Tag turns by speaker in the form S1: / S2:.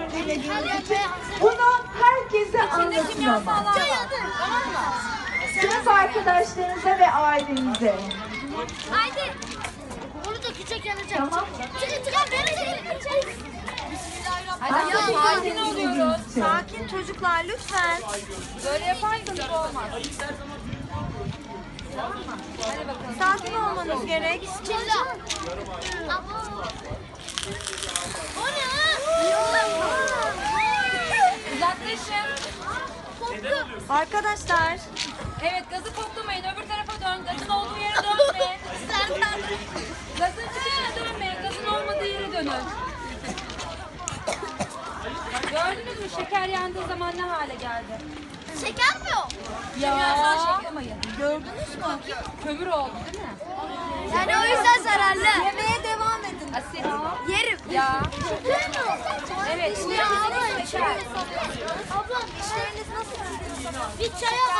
S1: dinlediğiniz için. Bunu herkese anlatın ama. Sınıf arkadaşlarınıza ve ailenize.
S2: Haydi. Onu da küçük yanacak.
S1: Tamam.
S2: Çıkın beni çekin.
S3: Hadi ya, sakin oluyoruz.
S4: Sakin çocuklar lütfen.
S3: Böyle yaparsanız olmaz.
S4: Sakin olmanız gerek.
S2: Bismillah. O ne?
S3: Uzaklaşın.
S4: Arkadaşlar
S3: Evet, gazı koklamayın. Öbür tarafa dön. Gazın olduğu yere dönme. Gazın çıkışına dönmeyin. Gazın olmadığı yere dönün. Gördünüz mü? Şeker yandığı zaman ne hale geldi?
S2: Şeker mi o?
S3: Ya. Şeklamayın.
S4: gördünüz mü?
S3: Kömür oldu değil mi?
S2: Yani o yüzden zararlı.
S4: Yemeye devam edin.
S3: Asit.
S2: Yerim.
S3: Ya.
S2: Şeker mi o?
S3: Evet.
S2: Ya abla,
S3: Şeker.
S2: abla işleriniz nasıl gidiyor? Bir çay al.